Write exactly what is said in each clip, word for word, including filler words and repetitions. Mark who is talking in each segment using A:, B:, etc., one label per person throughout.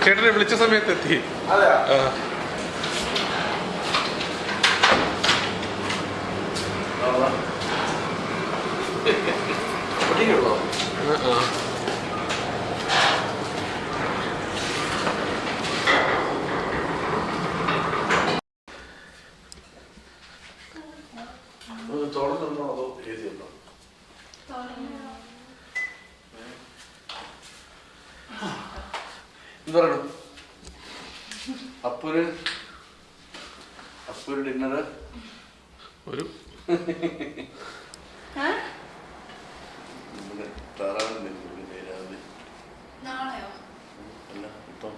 A: ചേട്ടനെ വിളിച്ച സമയത്ത് എത്തി.
B: തോന്നുന്നുണ്ടോ അതോ എഴുതിയുണ്ടോ? എന്ത് പറയണം? അപ്പൊരു അപ്പൊരു ഡിന്നർ
A: ഒരു
B: നമ്മുടെ താറാവിന് രാവിലെ അല്ല ഇപ്പം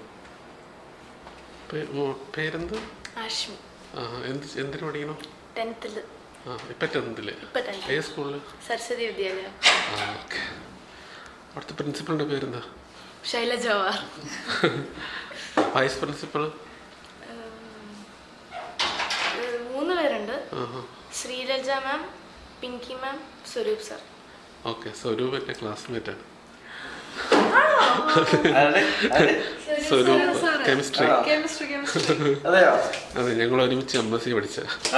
A: പേരെന്ത്?
C: ആഷ്മി.
A: എന്ത് എന്തിനു പഠിക്കണം?
C: ടെൻത്തില്.
A: ആ ഇപ്പം ടെൻത്തില്. ഏത് സ്കൂളില്?
C: സരസ്വതി വിദ്യാലയം.
A: ആ ഓക്കെ. അവിടുത്തെ പ്രിൻസിപ്പളിൻ്റെ പേരെന്താ?
C: ശൈലജ ജവാർ.
A: Vice principal?
C: മൂന്ന് പേരുണ്ട്. Sreelaja ma'am, Pinky ma'am, Swaroop sir.
A: Okay. Swaroop എൻ്റെ ക്ലാസ്മേറ്റാണ്. സ്വരൂപ് കെമിസ്ട്രി. അതെ, ഞങ്ങൾ ഒരുമിച്ച് എം എസ് സി പഠിച്ച.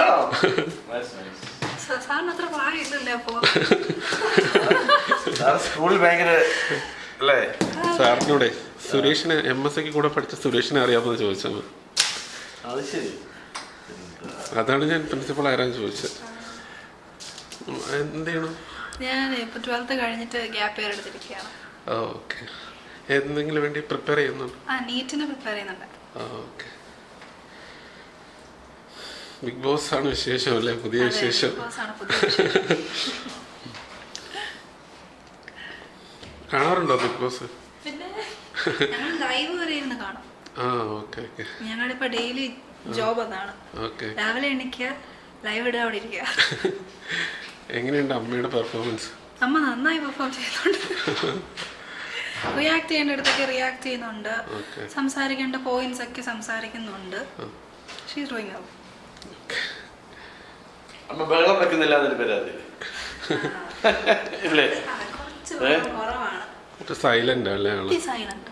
B: സ്കൂളിൽ ഭയങ്കര അല്ലേ?
A: സാറിനോടെ സുരേഷിനെ എം എസ് സിക്ക് കൂടെ പഠിച്ച സുരേഷിനെ അറിയാമെന്ന് ചോദിച്ചത്.
B: അത് ശരി.
A: അതാണ് ഞാൻ പ്രിൻസിപ്പൾ ആരാന്ന് ചോദിച്ചത്. എന്ത് ചെയ്യണം?
D: ഞാൻ ഇപ്പൊ ട്വൽത്ത് കഴിഞ്ഞിട്ട് ഗ്യാപ്പ് ഇയർ എടുത്തിരിക്കുകയാണ്.
A: ഓക്കെ. എന്തെങ്കിലും വേണ്ടി പ്രിപ്പയർ ചെയ്യുന്നുണ്ട്?
D: ആ നീറ്റിന് പ്രിപ്പയർ ചെയ്യുന്നുണ്ട്.
A: ഓക്കെ. ബിഗ് ബോസ് ആണ് വിശേഷം അല്ലേ? പുതിയ വിശേഷം. കാണാറുണ്ടോ ബിഗ് ബോസ്?
D: പിന്നെ ഞങ്ങൾ ലൈവ് വരെ ഇരുന്ന് കാണും.
A: ആ ഓക്കെ ഓക്കെ.
D: ഞങ്ങളിപ്പോ ഡെയിലി ജോബ് അതാണ്.
A: ഓക്കെ.
D: രാവിലെ എണീക്കുക, ലൈവ് ഇടുക, അവിടെ ഇരിക്കുക.
A: എങ്ങനെയുണ്ട് അമ്മയുടെ പെർഫോമൻസ്?
D: അമ്മ നന്നായി പെർഫോം ചെയ്യുന്നുണ്ട്. റിയാക്ട് ചെയ്യേണ്ട അടുത്തൊക്കെ റിയാക്ട് ചെയ്യുന്നുണ്ട്. സംസാരിക്കേണ്ട പോയിന്റ്സ് ഒക്കെ സംസാരിക്കുന്നുണ്ട്. She's doing well.
B: അമ്മ ബഹളം വെക്കുന്നില്ല എന്നൊരു പരാതി ഇല്ലേ?
D: കുറവാണ്.
A: സൈലന്റ് അല്ലേ?
D: സൈലന്റ് ആണ്.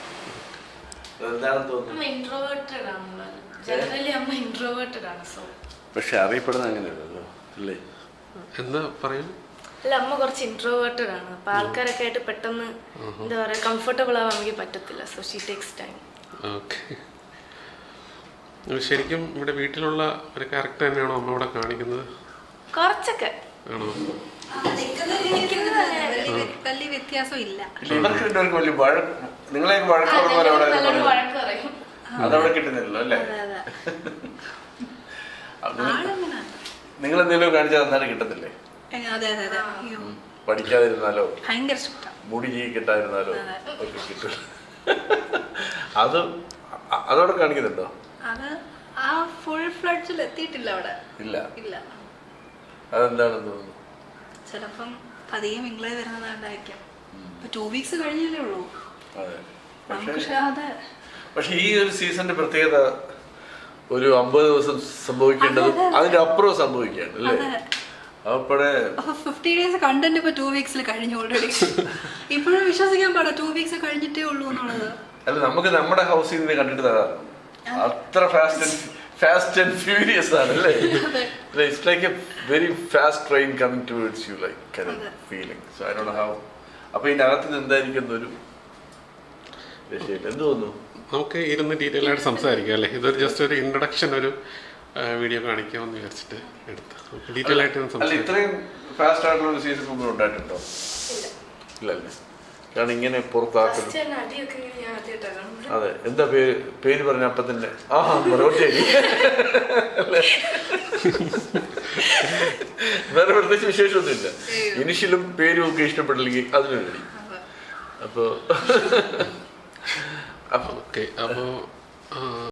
B: പക്ഷെ അറിയപ്പെടുന്ന അങ്ങനെയല്ലോ അല്ലേ?
A: എന്താ പറയൂ?
C: അല്ല, അമ്മ കുറച്ച് ഇൻട്രോവേർട്ടഡ് ആണ്. അപ്പൊ ആൾക്കാരൊക്കെ ആയിട്ട് പെട്ടെന്ന് എന്താ പറയാ കംഫർട്ടബിൾ ആവാൻ എനിക്ക് പറ്റത്തില്ല. So she takes time.
A: Okay. ശരിക്കും ഇവിടെ വീട്ടിലുള്ള ഒരു ക്യാരക്ടർ തന്നെയാണോ അമ്മ ഇവിടെ കാണിക്കുന്നത്?
C: കുറച്ചൊക്കെ
A: ആണോ?
D: വലിയ വ്യത്യാസം ഇല്ല.
B: ഇവർക്ക് രണ്ടുപേർക്ക് വലിയ വഴക്ക്, നിങ്ങളെ വഴക്ക് അതവിടെ കിട്ടുന്നില്ലല്ലോ അല്ലേ? നിങ്ങൾ എന്തെങ്കിലും കാണിച്ചാൽ അന്നേരം കിട്ടത്തില്ലേ? പഠിക്കാതിരുന്നാലോ മുടി കിട്ടാതിരുന്നാലോ ഒക്കെ കിട്ടും. അത് അതവിടെ കാണിക്കുന്നുണ്ടോ?
D: അത് ആ ഫുൾ ഫ്ലഡ്ജിൽ എത്തിയിട്ടില്ല അവിടെ. ഇല്ല ഇല്ല.
B: അതെന്താണെന്ന് തോന്നുന്നു.
D: ചിലപ്പം പതിയെ മിംഗിളെ വരുന്നതായിരിക്കാം. ടു വീക്സ് കഴിഞ്ഞല്ലേ ഉള്ളൂ.
B: പക്ഷെ ഈ ഒരു സീസണിന്റെ പ്രത്യേകത ഒരു അമ്പത് ദിവസം സംഭവിക്കേണ്ടതും അതിന്റെ അപ്പുറം സംഭവിക്കുകയാണ് അല്ലേ? അപ്പോഴേ
D: ഫിഫ്റ്റി ഡേയ്സ് കണ്ടന്റ് ഇപ്പൊ ടു വീക്സിൽ കഴിഞ്ഞു ഓൾറെഡി. ഇപ്പോഴും വിശ്വസിക്കാൻ പാടാ ടു വീക്സ് കഴിഞ്ഞിട്ടേ ഉള്ളൂ എന്നുള്ളത്.
B: അല്ല, നമുക്ക് നമ്മുടെ ഹൗസിൽ നിന്ന് കണ്ടിട്ട് തരാറ് അത്ര fast and fast and furious ആണ് അല്ലേ? It's like a very fast train coming towards you, like kind of feeling. So I don't know how. അപ്പൊ ഇതിന്റെ അകത്ത് നിന്ന് എന്തായിരിക്കും ഒരു രക്ഷയില്ല. എന്ത് തോന്നുന്നു?
A: നമുക്ക് ഇരുന്ന് ഡീറ്റെയിൽ ആയിട്ട് സംസാരിക്കാം അല്ലേ? ഇതൊരു ജസ്റ്റ് ഒരു ഇൻട്രൊഡക്ഷൻ, ഒരു വീഡിയോ കാണിക്കാമെന്ന് വിചാരിച്ചിട്ട് എടുത്ത് ഡീറ്റെയിൽ ആയിട്ട് സംസാരിക്കാം.
B: ഇത്രയും ഫാസ്റ്റ് ആയിട്ടുള്ള ഒരു സീസൺ മുമ്പ് ഉണ്ടായിട്ടുണ്ടോ? ഇല്ലല്ലേ? കാരണം ഇങ്ങനെ പുറത്താക്കുന്നു. അതെ. എന്താ പേര്? പേര് പറഞ്ഞ അപ്പൊ തന്നെ ആ മറുപടി വേറെ പ്രത്യേകിച്ച് വിശേഷമൊന്നുമില്ല. ഇനിഷ്യലും പേരും ഒക്കെ ഇഷ്ടപ്പെട്ടില്ലെങ്കിൽ അതിനു വേണ്ടി. അപ്പോ
A: അപ്പൊ ഓക്കെ. അപ്പോ